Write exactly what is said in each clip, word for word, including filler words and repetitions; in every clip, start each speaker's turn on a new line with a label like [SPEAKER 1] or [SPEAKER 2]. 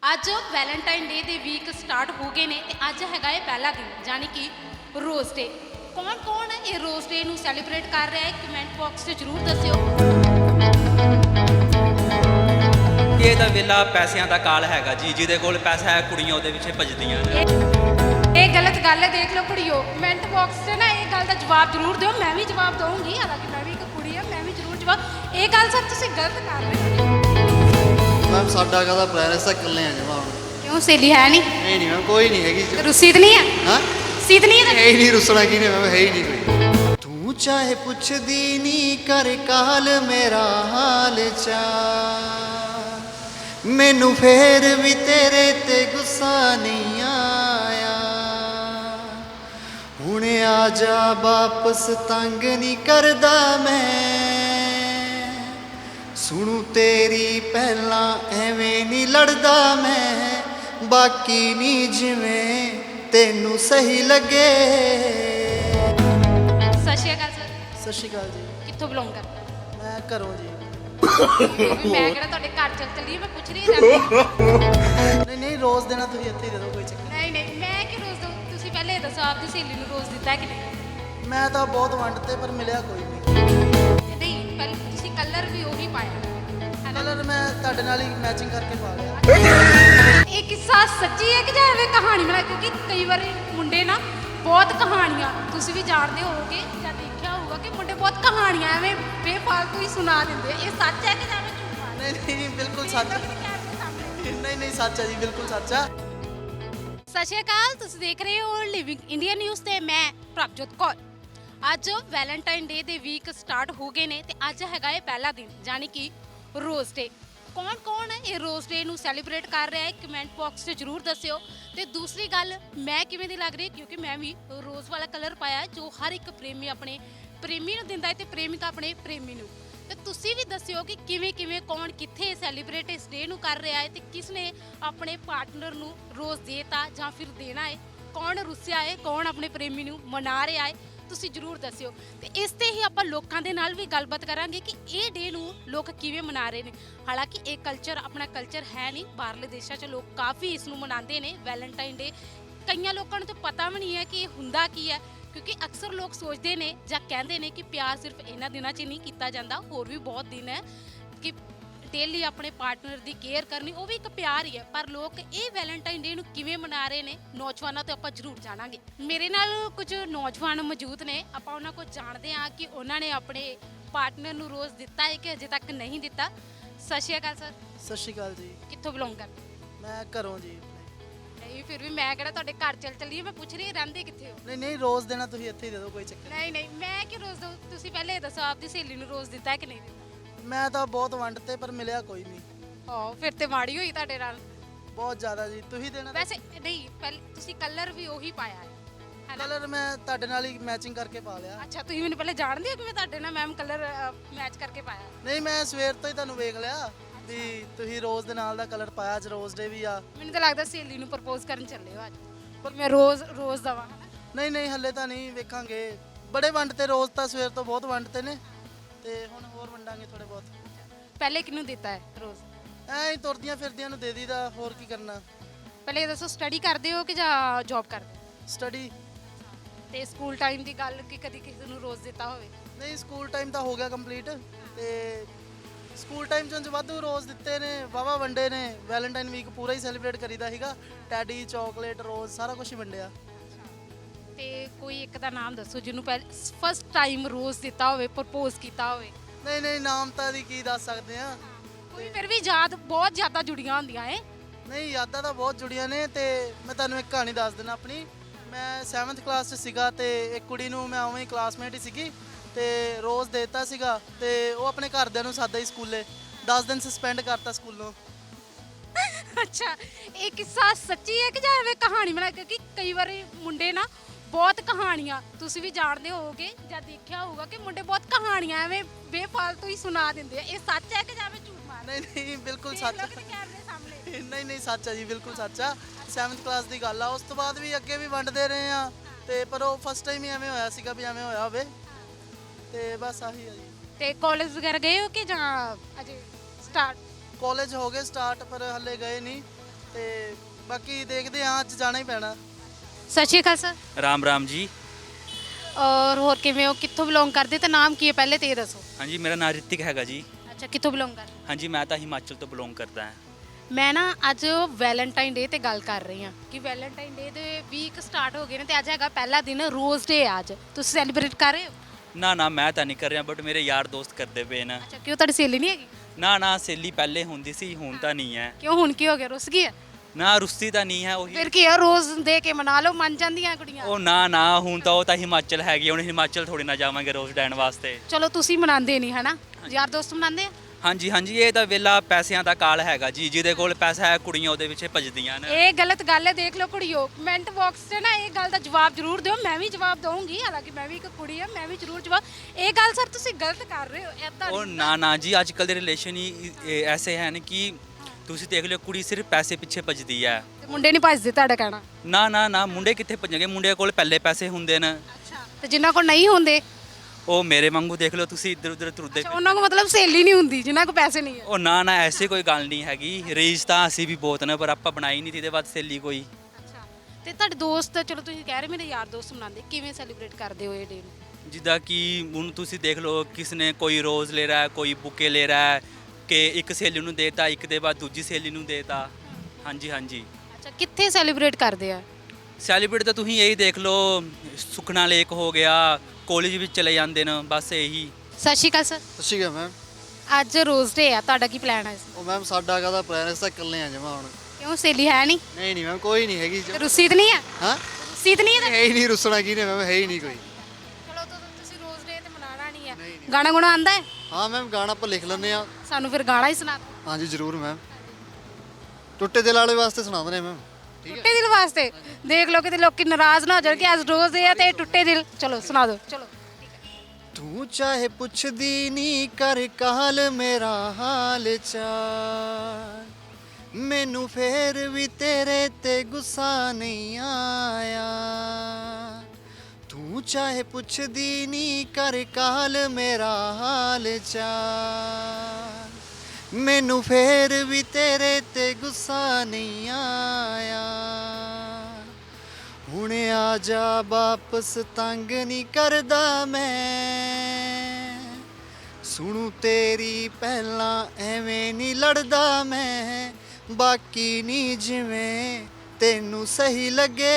[SPEAKER 1] ਅੱਜ Valentine day ਦੇ week start ਹੋ ਗਏ ਨੇ ਤੇ ਅੱਜ ਹੈਗਾ ਇਹ ਪਹਿਲਾ ਦਿਨ ਯਾਨੀ ਕਿ ਰੋਜ਼ ਡੇ। ਕੌਣ ਕੌਣ ਇਹ ਰੋਜ਼ ਡੇ ਨੂੰ ਸੈਲੀਬ੍ਰੇਟ ਕਰ ਰਿਹਾ ਹੈ ਕਮੈਂਟ ਬਾਕਸ 'ਚ ਜ਼ਰੂਰ ਦੱਸਿਓ।
[SPEAKER 2] ਇਹ ਤਾਂ ਵੇਲਾ ਪੈਸਿਆਂ ਦਾ ਕਾਲ ਹੈਗਾ ਜੀ, ਜਿਹਦੇ ਕੋਲ ਪੈਸਾ ਹੈ ਕੁੜੀਆਂ ਉਹਦੇ ਪਿੱਛੇ ਭੱਜਦੀਆਂ ਨੇ।
[SPEAKER 1] ਇਹ ਗਲਤ ਗੱਲ ਹੈ, ਦੇਖ ਲਓ ਕੁੜੀਓ, ਕਮੈਂਟ ਬਾਕਸ 'ਚ ਨਾ ਇਹ ਗੱਲ ਦਾ ਜਵਾਬ ਜ਼ਰੂਰ ਦਿਓ। ਮੈਂ ਵੀ ਜਵਾਬ ਦਊਂਗੀ, ਹਾਲਾਂਕਿ ਮੈਂ ਵੀ ਇੱਕ ਕੁੜੀ ਆ, ਮੈਂ ਵੀ ਜ਼ਰੂਰ ਜਵਾਬ। ਇਹ ਗੱਲ ਸਰ ਤੁਸੀਂ ਗਲਤ ਕਰ ਰਹੇ ਹੋ
[SPEAKER 3] ਮੈਮ। ਸਾਡਾ ਕਾਹਦਾ ਪਲਾਨ ਹੈ, ਇਕੱਲੇ ਆ ਜਮਾ।
[SPEAKER 1] ਕਿਉਂ ਸਹੇਲੀ ਹੈ ਨਹੀਂ?
[SPEAKER 3] ਨਹੀਂ ਨਹੀਂ ਮੈਮ, ਕੋਈ ਨਹੀਂ ਹੈਗੀ।
[SPEAKER 1] ਰੁੱਸੀ ਤਾਂ ਨਹੀਂ ਹੈ?
[SPEAKER 3] ਹਾਂ
[SPEAKER 1] ਸੀਤ ਨਹੀਂ ਹੈ?
[SPEAKER 3] ਹੈ ਹੀ ਨਹੀਂ, ਰੁੱਸਣਾ ਕੀ ਨੇ ਮੈਮ, ਹੈ ਹੀ ਨਹੀਂ ਕੋਈ। ਤੂੰ ਚਾਹੇ ਪੁੱਛਦੀ ਨਹੀਂ ਕਰ ਕਾਲ ਮੇਰਾ ਹਾਲ ਚਾਲ, ਮੈਨੂੰ ਫੇਰ ਵੀ ਤੇਰੇ ਤੇ ਗੁੱਸਾ ਨਹੀਂ ਆਇਆ। ਹੁਣ ਆ ਜਾ ਵਾਪਸ, ਤੰਗ ਨਹੀਂ ਕਰਦਾ ਮੈਂ, ਸੁਣੂ ਤੇਰੀ ਪਹਿਲਾਂ ਐਵੇਂ ਨਹੀਂ ਲੜਦਾ ਮੈਂ, ਬਾਕੀ ਨਹੀਂ ਜਿਵੇਂ ਤੈਨੂੰ ਸਹੀ ਲੱਗੇ।
[SPEAKER 1] ਸਤਿ ਸ਼੍ਰੀ ਅਕਾਲ ਸਰ।
[SPEAKER 3] ਸਤਿ ਸ਼੍ਰੀ ਅਕਾਲ ਜੀ।
[SPEAKER 1] ਕਿੱਥੋਂ ਬਿਲੋਂਗ ਕਰਦੇ?
[SPEAKER 3] ਮੈਂ ਘਰੋਂ ਜੀ।
[SPEAKER 1] ਮੈਂ ਕਿਹੜਾ ਤੁਹਾਡੇ ਘਰ ਚੱਲ ਚੱਲੀ, ਮੈਂ ਪੁੱਛ ਰਹੀ ਹਾਂ।
[SPEAKER 3] ਨਹੀਂ ਨਹੀਂ, ਰੋਜ਼ ਦੇਣਾ ਤੁਸੀਂ ਇੱਥੇ ਹੀ ਦੇ ਦਿਓ, ਕੋਈ ਚੱਕਰ
[SPEAKER 1] ਨਹੀਂ ਨਹੀਂ, ਮੈਂ ਕਿ ਰੋਜ਼ ਦਊਂ? ਤੁਸੀਂ ਪਹਿਲੇ ਇਹ ਦੱਸੋ ਆਪਦੀ ਸਹੇਲੀ ਨੂੰ ਰੋਜ਼ ਦਿੱਤਾ ਕਿ ਨਹੀਂ?
[SPEAKER 3] ਨਹੀਂ। ਮੈਂ ਤਾਂ ਬਹੁਤ ਵੰਡਤੇ ਪਰ ਮਿਲਿਆ ਕੋਈ ਨਹੀਂ।
[SPEAKER 1] ਨਹੀਂ, ਪਰ ਤੁਸੀਂ ਕਲਰ ਵੀ ਉਹੀ ਪਾਇਆ ਹੈ ਨਾ?
[SPEAKER 3] ਕਲਰ ਮੈਂ ਤੁਹਾਡੇ ਨਾਲ ਹੀ ਮੈਚਿੰਗ ਕਰਕੇ ਪਾ ਲਿਆ।
[SPEAKER 1] ਇਹ ਕਿੱਸਾ ਸੱਚੀ ਹੈ ਕਿ ਜਾਂ ਐਵੇਂ ਕਹਾਣੀ ਬਣਾ? ਕਿਉਂਕਿ ਕਈ ਵਾਰੀ ਮੁੰਡੇ ਨਾ ਬਹੁਤ ਕਹਾਣੀਆਂ, ਤੁਸੀਂ ਵੀ ਜਾਣਦੇ ਹੋਵੋਗੇ ਜਾਂ ਦੇਖਿਆ ਹੋਊਗਾ ਕਿ ਮੁੰਡੇ ਬਹੁਤ ਕਹਾਣੀਆਂ ਐਵੇਂ ਬੇਫਾਲਤੂ ਹੀ ਸੁਣਾ ਦਿੰਦੇ ਆ। ਇਹ ਸੱਚ ਹੈ ਕਿ ਜਾਂ ਐਵੇਂ ਝੂਠ ਮਾਰਦੇ?
[SPEAKER 3] ਨਹੀਂ ਨਹੀਂ, ਬਿਲਕੁਲ ਸੱਚ। ਨਹੀਂ ਨਹੀਂ, ਸੱਚ ਹੈ ਜੀ, ਬਿਲਕੁਲ ਸੱਚ ਆ।
[SPEAKER 1] ਸਤਿ ਸ਼੍ਰੀ ਅਕਾਲ, ਤੁਸੀਂ ਦੇਖ ਰਹੇ ਹੋ ਲਿਵਿੰਗ ਇੰਡੀਆ ਨਿਊਜ਼ ਤੇ ਮੈਂ ਪ੍ਰਭਜੋਤ ਕੌਰ। ਅੱਜ ਵੈਲੈਂਟਾਈਨ ਡੇ ਦੇ ਵੀਕ ਸਟਾਰਟ ਹੋ ਗਏ ਨੇ ਤੇ ਅੱਜ ਹੈਗਾ ਇਹ ਪਹਿਲਾ ਦਿਨ ਯਾਨੀ ਕਿ ਰੋਜ਼ ਡੇ। ਕੌਣ ਕੌਣ ਇਹ ਰੋਜ਼ ਡੇ ਨੂੰ ਸੈਲੀਬ੍ਰੇਟ ਕਰ ਰਿਹਾ ਹੈ ਕਮੈਂਟ ਬਾਕਸ 'ਚ ਜ਼ਰੂਰ ਦੱਸਿਓ। ਤੇ ਦੂਸਰੀ ਗੱਲ, ਮੈਂ ਕਿਵੇਂ ਦੀ ਲੱਗ ਰਹੀ, ਕਿਉਂਕਿ ਮੈਂ ਵੀ ਰੋਜ਼ ਵਾਲਾ ਕਲਰ ਪਾਇਆ ਜੋ ਹਰ ਇੱਕ ਪ੍ਰੇਮੀ ਆਪਣੇ ਪ੍ਰੇਮੀ ਨੂੰ ਦਿੰਦਾ ਹੈ ਤੇ ਪ੍ਰੇਮਿਕਾ ਆਪਣੇ ਪ੍ਰੇਮੀ ਨੂੰ। ਤੇ ਤੁਸੀਂ ਵੀ ਦੱਸਿਓ ਕਿ ਕਿਵੇਂ ਕਿਵੇਂ ਕੌਣ ਕਿੱਥੇ ਸੈਲੀਬ੍ਰੇਟ ਇਸ ਡੇ ਨੂੰ ਕਰ ਰਿਹਾ ਹੈ ਤੇ ਕਿਸ ਨੇ ਆਪਣੇ ਪਾਰਟਨਰ ਨੂੰ ਰੋਜ਼ ਦੇਤਾ ਜਾਂ ਫਿਰ ਦੇਣਾ ਹੈ, ਕੌਣ ਰੁੱਸਿਆ ਹੈ, ਕੌਣ ਆਪਣੇ ਪ੍ਰੇਮੀ ਨੂੰ ਮਨਾ ਰਿਹਾ ਹੈ, ਤੁਸੀਂ ਜ਼ਰੂਰ ਦੱਸਿਓ। ਤੇ ਇਸ ਤੇ ਹੀ ਆਪਾਂ ਲੋਕਾਂ ਦੇ ਨਾਲ ਵੀ ਗੱਲਬਾਤ ਕਰਾਂਗੇ ਕਿ ਇਹ ਡੇ ਨੂੰ ਲੋਕ ਕਿਵੇਂ ਮਨਾ ਰਹੇ ਨੇ। ਹਾਲਾਂਕਿ ਇਹ ਕਲਚਰ ਆਪਣਾ ਕਲਚਰ ਹੈ ਨਹੀਂ, ਬਾਹਰਲੇ ਦੇਸ਼ਾਂ 'ਚ ਲੋਕ ਕਾਫੀ ਇਸ ਨੂੰ ਮਨਾਉਂਦੇ ਨੇ ਵੈਲੈਂਟਾਈਨ ਡੇ। ਕਈਆਂ ਲੋਕਾਂ ਨੂੰ ਤਾਂ ਪਤਾ ਵੀ ਨਹੀਂ ਹੈ ਕਿ ਇਹ ਹੁੰਦਾ ਕੀ ਹੈ, ਕਿਉਂਕਿ ਅਕਸਰ ਲੋਕ ਸੋਚਦੇ ਨੇ ਜਾਂ ਕਹਿੰਦੇ ਨੇ ਕਿ ਪਿਆਰ ਸਿਰਫ ਇਹਨਾਂ ਦਿਨਾਂ 'ਚ ਨਹੀਂ ਕੀਤਾ ਜਾਂਦਾ, ਹੋਰ ਵੀ ਬਹੁਤ ਦਿਨ ਹੈ ਕਿ ਡੇਲੀ ਆਪਣੇ ਪਾਰਟਨਰ ਦੀ ਕੇਅਰ ਕਰਨੀ, ਉਹ ਵੀ ਇੱਕ ਪਿਆਰ ਹੀ ਹੈ। ਪਰ ਲੋਕ ਇਹ ਵੈਲੈਂਟਾਈਨ ਡੇ ਨੂੰ ਕਿਵੇਂ ਮਨਾ ਰਹੇ ਨੇ, ਨੌਜਵਾਨਾਂ ਤੋਂ ਆਪਾਂ ਜ਼ਰੂਰ ਜਾਣਾਂਗੇ। ਮੇਰੇ ਨਾਲ ਕੁਝ ਨੌਜਵਾਨ ਮੌਜੂਦ ਨੇ, ਆਪਾਂ ਉਹਨਾਂ ਕੋਲ ਜਾਣਦੇ ਹਾਂ ਕਿ ਉਹਨਾਂ ਨੇ ਆਪਣੇ ਪਾਰਟਨਰ ਨੂੰ ਰੋਜ਼ ਦਿੱਤਾ ਹੈ ਕਿ ਅਜੇ ਤੱਕ ਨਹੀਂ ਦਿੱਤਾ। ਸਤਿ ਸ਼੍ਰੀ ਅਕਾਲ ਸਰ।
[SPEAKER 3] ਸਤਿ ਸ਼੍ਰੀ ਅਕਾਲ ਜੀ।
[SPEAKER 1] ਕਿੱਥੋਂ ਬਿਲੋਂਗ ਕਰਦੇ?
[SPEAKER 3] ਮੈਂ ਘਰੋਂ ਜੀ।
[SPEAKER 1] ਨਹੀਂ, ਫਿਰ ਵੀ ਮੈਂ ਕਿਹੜਾ ਤੁਹਾਡੇ ਘਰ ਚੱਲ ਚੱਲੀ, ਮੈਂ ਪੁੱਛ ਰਹੀ ਹਾਂ ਰਹਿੰਦੇ ਕਿੱਥੇ ਹੋ?
[SPEAKER 3] ਨਹੀਂ ਨਹੀਂ, ਰੋਜ਼ ਦੇਣਾ ਤੁਸੀਂ ਇੱਥੇ ਹੀ ਦੇ ਦਿਓ, ਕੋਈ ਚੱਕਰ
[SPEAKER 1] ਨਹੀਂ ਨਹੀਂ, ਮੈਂ ਕਿ ਰੋਜ਼ ਦਊਂ? ਤੁਸੀਂ ਪਹਿਲੇ ਇਹ ਦੱਸੋ ਆਪਦੀ ਸਹੇਲੀ ਨੂੰ ਰੋਜ਼ ਦਿੱਤਾ ਹੈ ਕਿ ਨਹੀਂ ਦਿੱਤਾ?
[SPEAKER 3] ਨਹੀਂ। ਮੈਂ ਤਾਂ ਬਹੁਤ ਵੰਡਤੇ ਪਰ ਮਿਲਿਆ ਕੋਈ ਨਹੀਂ।
[SPEAKER 1] ਹਾਂ, ਫਿਰ ਤੇ ਮਾੜੀ ਹੋਈ ਤੁਹਾਡੇ ਨਾਲ।
[SPEAKER 3] ਬਹੁਤ ਜ਼ਿਆਦਾ ਜੀ। ਤੁਸੀਂ ਦੇਣਾ
[SPEAKER 1] ਵੈਸੇ ਨਹੀਂ, ਪਹਿਲੇ ਤੁਸੀਂ ਕਲਰ ਵੀ ਉਹੀ ਪਾਇਆ ਹੈ ਹੈ ਨਾ?
[SPEAKER 3] ਕਲਰ ਮੈਂ ਤੁਹਾਡੇ ਨਾਲ ਹੀ ਮੈਚਿੰਗ ਕਰਕੇ ਪਾ ਲਿਆ।
[SPEAKER 1] ਅੱਛਾ, ਤੁਸੀਂ ਮੈਨੂੰ ਪਹਿਲੇ ਜਾਣਦੇ ਹੋ ਕਿ ਮੈਂ ਤੁਹਾਡੇ ਨਾਲ ਮੈਮ ਕਲਰ ਮੈਚ ਕਰਕੇ ਪਾਇਆ?
[SPEAKER 3] ਨਹੀਂ, ਮੈਂ ਸਵੇਰ ਤੋਂ ਹੀ ਤੁਹਾਨੂੰ ਵੇਖ ਲਿਆ ਵੀ ਤੁਸੀਂ ਰੋਜ਼ ਦੇ ਨਾਲ ਦਾ ਕਲਰ ਪਾਇਆ। ਅੱਜ ਰੋਜ਼ ਡੇ ਵੀ ਆ।
[SPEAKER 1] ਮੈਨੂੰ ਤਾਂ ਲੱਗਦਾ ਸਹੇਲੀ ਨੂੰ ਪ੍ਰਪੋਜ਼ ਕਰਨ ਚੱਲੇ ਹੋ ਅੱਜ, ਪਰ ਮੈਂ ਰੋਜ਼ ਰੋਜ਼ ਦਵਾਂ ਹੈ ਨਾ?
[SPEAKER 3] ਨਹੀਂ ਨਹੀਂ, ਹੱਲੇ ਤਾਂ ਨਹੀਂ, ਵੇਖਾਂਗੇ। ਬੜੇ ਵੰਡਤੇ ਰੋਜ਼, ਤਾਂ ਸਵੇਰ ਤੋਂ ਬਹੁਤ ਵੰਡਤੇ ਨੇ ਤੇ ਹੁਣ ਹੋਰ ਵੰਡਾਂਗੇ ਥੋੜੇ ਬਹੁਤ।
[SPEAKER 1] ਪਹਿਲੇ ਕਿਹਨੂੰ ਦਿੱਤਾ ਹੈ ਰੋਜ਼?
[SPEAKER 3] ਐਂ ਹੀ ਤੁਰਦੀਆਂ ਫਿਰਦੀਆਂ ਨੂੰ ਦੇ ਦੀਦਾ, ਹੋਰ ਕੀ ਕਰਨਾ।
[SPEAKER 1] ਪਹਿਲੇ ਇਹ ਦੱਸੋ, ਸਟੱਡੀ ਕਰਦੇ ਹੋ ਕਿ ਜਾਂ ਜੌਬ ਕਰਦੇ ਹੋ?
[SPEAKER 3] ਸਟੱਡੀ।
[SPEAKER 1] ਤੇ ਸਕੂਲ ਟਾਈਮ ਦੀ ਗੱਲ ਕਿ ਕਦੀ ਕਿਸੇ ਨੂੰ ਰੋਜ਼ ਦਿੱਤਾ ਹੋਵੇ?
[SPEAKER 3] ਨਹੀਂ, ਸਕੂਲ ਟਾਈਮ ਤਾਂ ਹੋ ਗਿਆ ਕੰਪਲੀਟ ਤੇ ਸਕੂਲ ਟਾਈਮ 'ਚ ਵਾਧੂ ਰੋਜ਼ ਦਿੱਤੇ ਨੇ, ਵਾਵਾ ਵੰਡੇ ਨੇ। ਵੈਲੈਂਟਾਈਨ ਵੀਕ ਪੂਰਾ ਹੀ ਸੈਲੀਬ੍ਰੇਟ ਕਰੀਦਾ ਸੀਗਾ। ਟੈਡੀ, ਚਾਕਲੇਟ, ਰੋਜ਼ ਸਾਰਾ ਕੁਝ ਹੀ ਵੰਡਿਆ।
[SPEAKER 1] ਤੇ ਕੋਈ ਇੱਕ ਦਾ ਨਾਮ ਦੱਸੋ ਜਿਹਨੂੰ ਪਹਿਲੇ ਫਸਟ ਟਾਈਮ ਰੋਜ਼ ਦਿੱਤਾ ਹੋਵੇ, ਪ੍ਰਪੋਜ਼ ਕੀਤਾ ਹੋਵੇ?
[SPEAKER 3] ਨਹੀਂ ਨਹੀਂ, ਨਾਮ ਤਾਂ ਦੀ ਕੀ ਦੱਸ ਸਕਦੇ ਆ।
[SPEAKER 1] ਕੋਈ ਫਿਰ ਵੀ ਯਾਦ ਬਹੁਤ ਜ਼ਿਆਦਾ ਜੁੜੀਆਂ ਹੁੰਦੀਆਂ ਏ।
[SPEAKER 3] ਨਹੀਂ, ਯਾਦਾਂ ਤਾਂ ਬਹੁਤ ਜੁੜੀਆਂ ਨੇ ਤੇ ਮੈਂ ਤੁਹਾਨੂੰ ਇੱਕ ਕਹਾਣੀ ਦੱਸ ਦਿੰਦਾ ਆਪਣੀ। ਮੈਂ ਸੈਵਨਥ ਕਲਾਸ 'ਚ ਸੀਗਾ ਤੇ ਇੱਕ ਕੁੜੀ ਨੂੰ ਮੈਂ ਉਵੇਂ ਹੀ ਕਲਾਸਮੇਟ ਹੀ ਸੀਗੀ ਤੇ ਰੋਜ਼ ਦੇਤਾ ਸੀਗਾ ਤੇ ਉਹ ਆਪਣੇ ਘਰਦਿਆਂ ਨੂੰ ਸਾਦਾ ਹੀ ਸਕੂਲੇ ਦਸ ਦਿਨ ਸਸਪੈਂਡ ਕਰਤਾ ਸਕੂਲੋਂ।
[SPEAKER 1] ਅੱਛਾ, ਇਹ ਕਿੱਸਾ ਸੱਚੀ ਹੈ ਕਿ ਜਾਂ ਐਵੇਂ ਕਹਾਣੀ ਬਣਾ? ਕਿਉਂਕਿ ਕਈ ਵਾਰੀ ਮੁੰਡੇ ਨਾ ਬਹੁਤ ਕਹਾਣੀਆਂ, ਤੁਸੀਂ ਵੀ ਜਾਣਦੇ ਹੋਵੋਗੇ ਜਾਂ ਦੇਖਿਆ ਹੋਊਗਾ ਕਿ ਮੁੰਡੇ ਬਹੁਤ ਕਹਾਣੀਆਂ ਐਵੇਂ ਬੇਫਾਲਤੂ ਹੀ ਸੁਣਾ ਦਿੰਦੇ ਆ। ਇਹ ਸੱਚ ਹੈ ਕਿ ਜਾਂ ਐਵੇਂ ਝੂਠ ਮਾਰਦੇ?
[SPEAKER 3] ਨਹੀਂ ਨਹੀਂ, ਬਿਲਕੁਲ
[SPEAKER 1] ਦੇਖ
[SPEAKER 3] ਸੱਚ
[SPEAKER 1] ਲਓ ਕਿਤੇ ਕੈਮਰੇ ਸਾਹਮਣੇ।
[SPEAKER 3] ਨਹੀਂ ਨਹੀਂ, ਸੱਚ ਆ ਜੀ, ਬਿਲਕੁਲ ਸੱਚ ਆ। ਸੈਵਨਥ ਕਲਾਸ ਦੀ ਗੱਲ ਆ। ਉਸ ਤੋਂ ਬਾਅਦ ਵੀ ਅੱਗੇ ਵੀ ਵੰਡਦੇ ਰਹੇ ਆ ਤੇ ਪਰ ਉਹ ਫਸਟ ਟਾਈਮ ਹੀ ਐਵੇਂ ਹੋਇਆ ਸੀਗਾ ਵੀ ਐਵੇਂ ਹੋਇਆ ਹੋਵੇ ਤੇ ਬਸ ਆਹੀ ਆ ਜੀ।
[SPEAKER 1] ਤੇ ਕਾਲਜ ਵਗੈਰਾ ਗਏ ਹੋ ਕਿ ਜਾਂ ਅਜੇ ਸਟਾਰਟ?
[SPEAKER 3] ਕਾਲਜ ਹੋ ਗਏ ਸਟਾਰਟ ਪਰ ਹੱਲੇ ਗਏ ਨਹੀਂ। ਤੇ ਬਾਕੀ ਦੇਖਦੇ ਹਾਂ, ਅੱਜ ਜਾਣਾ ਹੀ ਪੈਣਾ।
[SPEAKER 1] ਸਤਿ ਸ਼੍ਰੀ ਅਕਾਲ ਸਰ।
[SPEAKER 2] ਰਾਮ ਰਾਮ ਜੀ।
[SPEAKER 1] ਔਰ ਹੋਰ ਕਿਵੇਂ ਹੋ, ਕਿੱਥੋਂ ਬਿਲੋਂਗ ਕਰਦੇ ਤੇ ਨਾਮ ਕੀ ਹੈ ਪਹਿਲੇ ਤੇ ਇਹ ਦੱਸੋ।
[SPEAKER 2] ਹਾਂਜੀ, ਮੇਰਾ ਨਾਮ ਰਿਤਿਕ ਹੈਗਾ ਜੀ।
[SPEAKER 1] ਅੱਛਾ, ਕਿੱਥੋਂ ਬਿਲੋਂਗ ਕਰਦੇ?
[SPEAKER 2] ਹਾਂਜੀ, ਮੈਂ ਤਾਂ ਹਿਮਾਚਲ ਤੋਂ ਬਿਲੋਂਗ ਕਰਦਾ ਹਾਂ।
[SPEAKER 1] ਮੈਂ ਨਾ ਅੱਜ ਵੈਲੈਂਟਾਈਨ ਡੇ ਤੇ ਗੱਲ ਕਰ ਰਹੀ ਹਾਂ ਕਿ ਵੈਲੈਂਟਾਈਨ ਡੇ ਦੇ ਵੀਕ ਸਟਾਰਟ ਹੋ ਗਏ ਨੇ ਤੇ ਅੱਜ ਹੈਗਾ ਪਹਿਲਾ ਦਿਨ, ਰੋਜ਼ ਡੇ ਅੱਜ ਤੁਸੀਂ ਸੈਲੀਬ੍ਰੇਟ ਕਰ ਰਹੇ ਹੋ?
[SPEAKER 2] ਨਾ ਨਾ, ਮੈਂ ਤਾਂ ਨਹੀਂ ਕਰ ਰਿਹਾ, ਬਟ ਮੇਰੇ ਯਾਰ ਦੋਸਤ ਕਰਦੇ ਪਏ ਨੇ।
[SPEAKER 1] ਅੱਛਾ, ਕਿਉਂ ਤੁਹਾਡੀ ਸਹੇਲੀ ਨਹੀਂ ਹੈਗੀ?
[SPEAKER 2] ਨਾ ਨਾ, ਸਹੇਲੀ ਪਹਿਲੇ ਹੁੰਦੀ ਸੀ, ਹੁਣ ਤਾਂ ਨਹੀਂ ਹੈ।
[SPEAKER 1] ਕਿਉਂ ਹੁਣ ਕੀ ਹੋ ਗਿਆ, ਰੁੱਸ ਗਈ ਹੈ?
[SPEAKER 2] ਨਾ, ਰੁੱਸੀ ਤਾਂ ਨਹੀਂ ਹੈ ਉਹੀ।
[SPEAKER 1] ਫਿਰ ਕੀ ਹੈ, ਰੋਜ਼ ਦੇ ਕੇ ਮਨਾ ਲਓ, ਮੰਨ ਜਾਂਦੀਆਂ ਕੁੜੀਆਂ।
[SPEAKER 2] ਉਹ ਨਾ ਨਾ, ਹੁਣ ਤਾਂ ਉਹ ਤਾਂ ਹਿਮਾਚਲ ਹੈਗੀ, ਹੁਣ ਹਿਮਾਚਲ ਥੋੜੀ ਨਾ ਜਾਵਾਂਗੇ ਰੋਜ਼ ਡੈਣ ਵਾਸਤੇ।
[SPEAKER 1] ਚਲੋ ਤੁਸੀਂ ਮਨਾਉਂਦੇ ਨਹੀਂ ਹਨਾ, ਯਾਰ ਦੋਸਤ ਮਨਾਉਂਦੇ ਆ?
[SPEAKER 2] ਹਾਂਜੀ ਹਾਂਜੀ, ਇਹ ਤਾਂ ਵੇਲਾ ਪੈਸਿਆਂ ਦਾ ਕਾਲ ਹੈਗਾ ਜੀ, ਜਿਹਦੇ ਕੋਲ ਪੈਸਾ ਹੈ ਕੁੜੀਆਂ ਉਹਦੇ ਪਿੱਛੇ ਭੱਜਦੀਆਂ ਨੇ।
[SPEAKER 1] ਇਹ ਗਲਤ ਗੱਲ ਹੈ, ਦੇਖ ਲਓ ਕੁੜੀਓ, ਕਮੈਂਟ ਬਾਕਸ 'ਚ ਨਾ ਇਹ ਗੱਲ ਦਾ ਜਵਾਬ ਜ਼ਰੂਰ ਦਿਓ। ਮੈਂ ਵੀ ਜਵਾਬ ਦਵਾਂਗੀ, ਹਾਲਾਂਕਿ ਮੈਂ ਵੀ ਇੱਕ ਕੁੜੀ ਹਾਂ, ਮੈਂ ਵੀ ਜ਼ਰੂਰ ਜਵਾਬ। ਇਹ ਗੱਲ ਸਰ ਤੁਸੀਂ ਗਲਤ ਕਰ ਰਹੇ ਹੋ, ਐਦਾਂ
[SPEAKER 2] ਉਹ ਨਾ ਨਾ ਜੀ, ਅੱਜ ਕੱਲ੍ਹ ਦੇ ਰਿਲੇਸ਼ਨ ਹੀ ਇਹ ਐਸੇ ਹਨ ਕਿ ਤੁਸੀਂ ਦੇਖ ਲਿਓ, ਕੁੜੀ ਸਿਰਫ ਪੈਸੇ ਪਿੱਛੇ ਭੱਜਦੀ ਹੈ।
[SPEAKER 1] ਮੁੰਡੇ ਨਹੀਂ ਭੱਜਦੇ ਤੁਹਾਡਾ ਕਹਿਣਾ?
[SPEAKER 2] ਨਾ ਨਾ ਨਾ, ਮੁੰਡੇ ਕਿੱਥੇ ਭੱਜਣਗੇ, ਮੁੰਡੇ ਕੋਲ ਪਹਿਲੇ ਪੈਸੇ ਹੁੰਦੇ ਨੇ।
[SPEAKER 1] ਅੱਛਾ, ਤੇ ਜਿਨ੍ਹਾਂ ਕੋਲ ਨਹੀਂ ਹੁੰਦੇ?
[SPEAKER 2] ਉਹ ਮੇਰੇ ਵਾਂਗੂ ਦੇਖ ਲਓ, ਤੁਸੀਂ ਇੱਧਰ ਉੱਧਰ ਤੁਰਦੇ
[SPEAKER 1] ਅੱਛਾ, ਉਹਨਾਂ ਕੋਲ ਮਤਲਬ ਸਹੇਲੀ ਨਹੀਂ ਹੁੰਦੀ ਜਿਨ੍ਹਾਂ ਕੋਲ ਪੈਸੇ ਨਹੀਂ ਹੈ?
[SPEAKER 2] ਉਹ ਨਾ ਨਾ, ਐਸੀ ਕੋਈ ਗੱਲ ਨਹੀਂ ਹੈਗੀ, ਰੀਸ ਤਾਂ ਅਸੀਂ ਵੀ ਬਹੁਤ ਨੇ, ਪਰ ਆਪਾਂ ਬਣਾਈ ਨਹੀਂ, ਇਹਦੇ ਬਾਅਦ ਸਹੇਲੀ ਕੋਈ।
[SPEAKER 1] ਅੱਛਾ, ਤੇ ਤੁਹਾਡੇ ਦੋਸਤ, ਚਲੋ ਤੁਸੀਂ ਕਹਿ ਰਹੇ ਮੇਰੇ ਯਾਰ ਦੋਸਤ ਮਨਾਉਂਦੇ, ਕਿਵੇਂ ਸੈਲੀਬ੍ਰੇਟ ਕਰਦੇ ਹੋ ਇਹ ਡੇ ਨੂੰ?
[SPEAKER 2] ਜਿੱਦਾਂ ਕਿ ਹੁਣ ਤੁਸੀਂ ਦੇਖ ਲਓ, ਕਿਸ ਨੇ ਕੋਈ ਰੋਜ਼ ਲੈ ਰਿਹਾ, ਕੋਈ ਬੁਕੇ ਲੈ ਰਿਹਾ, ਕਿ ਇੱਕ ਸਹੇਲੀ ਨੂੰ ਦੇਤਾ, ਇੱਕ ਦੇ ਬਾਅਦ ਦੂਜੀ ਸਹੇਲੀ ਨੂੰ ਦੇਤਾ। ਹਾਂਜੀ ਹਾਂਜੀ।
[SPEAKER 1] ਅੱਛਾ, ਕਿੱਥੇ ਸੈਲੀਬ੍ਰੇਟ ਕਰਦੇ ਆ?
[SPEAKER 2] ਸੈਲੀਬ੍ਰੇਟ ਤਾਂ ਤੁਸੀਂ ਇਹੀ ਦੇਖ ਲਓ, ਸੁਖਨਾ ਲੇਕ ਹੋ ਗਿਆ, ਕਾਲਜ ਵਿੱਚ ਚਲੇ ਜਾਂਦੇ ਨੇ, ਬਸ ਇਹੀ।
[SPEAKER 1] ਸਤਿ ਸ਼੍ਰੀ ਅਕਾਲ ਸਰ।
[SPEAKER 4] ਸਤਿ ਸ਼੍ਰੀ ਅਕਾਲ ਮੈਮ।
[SPEAKER 1] ਅੱਜ ਰੋਜ਼ ਡੇ ਆ, ਤੁਹਾਡਾ ਕੀ ਪਲਾਨ ਹੈ ਇਸ?
[SPEAKER 4] ਉਹ ਮੈਮ ਸਾਡਾ ਕਾਹਦਾ ਪਲਾਨ, ਇਸ ਤਾਂ ਇਕੱਲੇ ਆ ਜਮਾ ਹੁਣ।
[SPEAKER 1] ਕਿਉਂ, ਸਹੇਲੀ ਹੈ ਨਹੀਂ?
[SPEAKER 4] ਨਹੀਂ ਨਹੀਂ ਮੈਮ, ਕੋਈ ਨਹੀਂ ਹੈਗੀ।
[SPEAKER 1] ਤੇ ਰੁੱਸੀ ਤਾਂ ਨਹੀਂ ਹੈ?
[SPEAKER 4] ਹਾਂ,
[SPEAKER 1] ਰੁੱਸੀ ਤਾਂ ਨਹੀਂ ਹੈ?
[SPEAKER 4] ਹੈ ਹੀ ਨਹੀਂ, ਰੁੱਸਣਾ ਕੀ ਨੇ ਮੈਮ, ਹੈ ਹੀ ਨਹੀਂ ਕੋਈ।
[SPEAKER 1] ਚਲੋ ਤਾਂ ਤੁਸੀਂ ਰੋਜ਼ ਡੇ ਤੇ ਮਨਾਉਣਾ ਨਹੀਂ ਹੈ।
[SPEAKER 4] ਨਹੀਂ, ਨਹੀਂ।
[SPEAKER 1] ਗਾਣਾ ਗੁਣਾ ਆਂਦਾ ਹੈ?
[SPEAKER 4] ਹਾਂ ਮੈਮ, ਗਾਣਾ ਆਪਾਂ ਲਿਖ ਲੈਂਦੇ ਆ।
[SPEAKER 1] ਸਾਨੂੰ ਫਿਰ ਗਾਣਾ ਹੀ ਸੁਣਾ ਦਿਓ।
[SPEAKER 4] ਹਾਂਜੀ ਜ਼ਰੂਰ ਮੈਮ, ਟੁੱਟੇ ਦਿਲ ਵਾਲੇ ਵਾਸਤੇ ਸੁਣਾ ਦਨੇ ਮੈਮ। ਠੀਕ ਹੈ,
[SPEAKER 1] ਟੁੱਟੇ ਦਿਲ ਵਾਸਤੇ? ਦੇਖ ਲਓ ਕਿਤੇ ਲੋਕੀ ਨਾਰਾਜ਼ ਨਾ ਹੋ ਜਾਣ ਕਿ ਅੱਜ ਰੋਜ਼ ਡੇ ਆ ਤੇ ਟੁੱਟੇ ਦਿਲ। ਚਲੋ ਸੁਣਾ ਦਿਓ, ਚਲੋ।
[SPEAKER 4] ਤੂੰ ਚਾਹੇ ਪੁੱਛਦੀ ਨਹੀਂ ਕਰ ਕਾਲ ਮੇਰਾ ਹਾਲ ਚਾਲ, ਮੈਨੂੰ ਫੇਰ ਵੀ ਤੇਰੇ ਤੇ ਗੁੱਸਾ ਨਹੀਂ ਆਇਆ। ਤੂੰ ਚਾਹੇ ਪੁੱਛਦੀ ਨਹੀਂ ਕਰ ਕਾਲ ਮੇਰਾ ਹਾਲ ਚਾਲ, ਮੈਨੂੰ ਫੇਰ ਵੀ ਤੇਰੇ ਤੇ ਗੁੱਸਾ ਨਹੀਂ ਆਇਆ। ਹੁਣ ਆ ਜਾ ਵਾਪਸ, ਤੰਗ ਨਹੀਂ ਕਰਦਾ ਮੈਂ, ਸੁਣੂ ਤੇਰੀ ਪਹਿਲਾਂ ਐਵੇਂ ਨਹੀਂ ਲੜਦਾ ਮੈਂ, ਬਾਕੀ ਨਹੀਂ ਜਿਵੇਂ ਤੈਨੂੰ ਸਹੀ ਲੱਗੇ।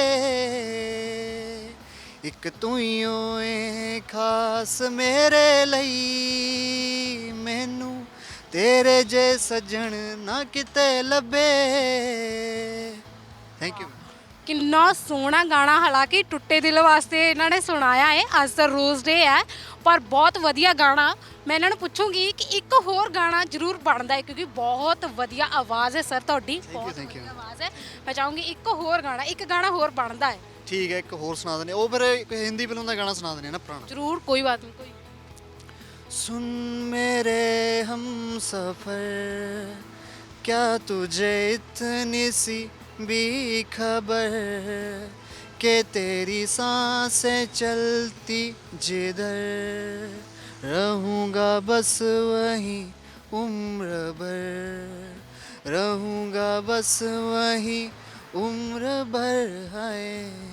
[SPEAKER 4] ਇੱਕ ਤੂੰ ਹੀ ਓਏ ਖਾਸ ਮੇਰੇ ਲਈ, ਮੈਨੂੰ ਤੇਰੇ ਜੇ ਸੱਜਣ ਨਾ ਕਿਤੇ ਲੱਭੇ। Thank you.
[SPEAKER 1] ਕਿੰਨਾ ਸੋਹਣਾ ਗਾਣਾ, ਹਾਲਾਂਕਿ ਟੁੱਟੇ ਦਿਲ ਵਾਸਤੇ ਇਹਨਾਂ ਨੇ ਸੁਣਾਇਆ ਹੈ। ਅੱਜ ਤਾਂ ਰੋਜ਼ ਡੇ ਹੈ, ਪਰ ਬਹੁਤ ਵਧੀਆ ਗਾਣਾ। ਮੈਂ ਇਹਨਾਂ ਨੂੰ ਪੁੱਛੂੰਗੀ ਕਿ ਇੱਕ ਹੋਰ ਗਾਣਾ ਜ਼ਰੂਰ ਬਣਦਾ ਹੈ, ਕਿਉਂਕਿ ਬਹੁਤ ਵਧੀਆ ਆਵਾਜ਼ ਹੈ ਸਰ ਤੁਹਾਡੀ, ਬਹੁਤ
[SPEAKER 4] thank you.
[SPEAKER 1] ਵਧੀਆ ਆਵਾਜ਼ ਹੈ। ਮੈਂ ਚਾਹੂੰਗੀ ਇੱਕ ਹੋਰ ਗਾਣਾ, ਇੱਕ ਗਾਣਾ ਹੋਰ ਬਣਦਾ ਹੈ।
[SPEAKER 4] ਠੀਕ ਹੈ, ਇੱਕ ਹੋਰ ਸੁਣਾ ਦਨੇ। ਉਹ ਫਿਰ ਇੱਕ ਹਿੰਦੀ ਫਿਲਮ ਦਾ ਗਾਣਾ ਸੁਣਾ ਦਨੇ ਨਾ ਪੁਰਾਣਾ।
[SPEAKER 1] ਜ਼ਰੂਰ, ਕੋਈ ਬਾਤ ਨਹੀਂ, ਕੋਈ।
[SPEAKER 4] सुन मेरे हम सफर, क्या तुझे इतनी सी भी खबर, कि तेरी सांसें चलती जिधर, रहूँगा बस वहीं उम्र भर, रहूँगा बस वहीं उम्र भर। है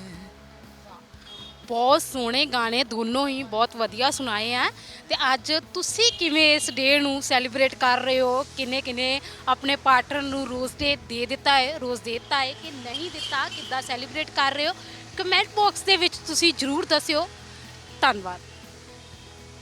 [SPEAKER 1] ਬਹੁਤ ਸੋਹਣੇ ਗਾਣੇ ਦੋਨੋਂ ਹੀ ਬਹੁਤ ਵਧੀਆ ਸੁਣਾਏ ਆ। ਤੇ ਅੱਜ ਤੁਸੀਂ ਕਿਵੇਂ ਇਸ ਡੇ ਨੂੰ ਸੈਲੀਬ੍ਰੇਟ ਕਰ ਰਹੇ ਹੋ? ਕਿੰਨੇ ਕਿੰਨੇ ਆਪਣੇ ਪਾਰਟਨਰ ਨੂੰ ਰੋਜ਼ ਡੇ ਦੇ ਦਿੱਤਾ ਹੈ, ਰੋਜ਼ ਦੇ ਦਿੱਤਾ ਹੈ ਕਿ ਨਹੀਂ ਦਿੱਤਾ? ਕਿੱਦਾਂ ਸੈਲੀਬ੍ਰੇਟ ਕਰ ਰਹੇ ਹੋ? ਕਮੈਂਟ ਬਾਕਸ ਦੇ ਵਿੱਚ ਤੁਸੀਂ ਜ਼ਰੂਰ ਦੱਸਿਓ। ਧੰਨਵਾਦ।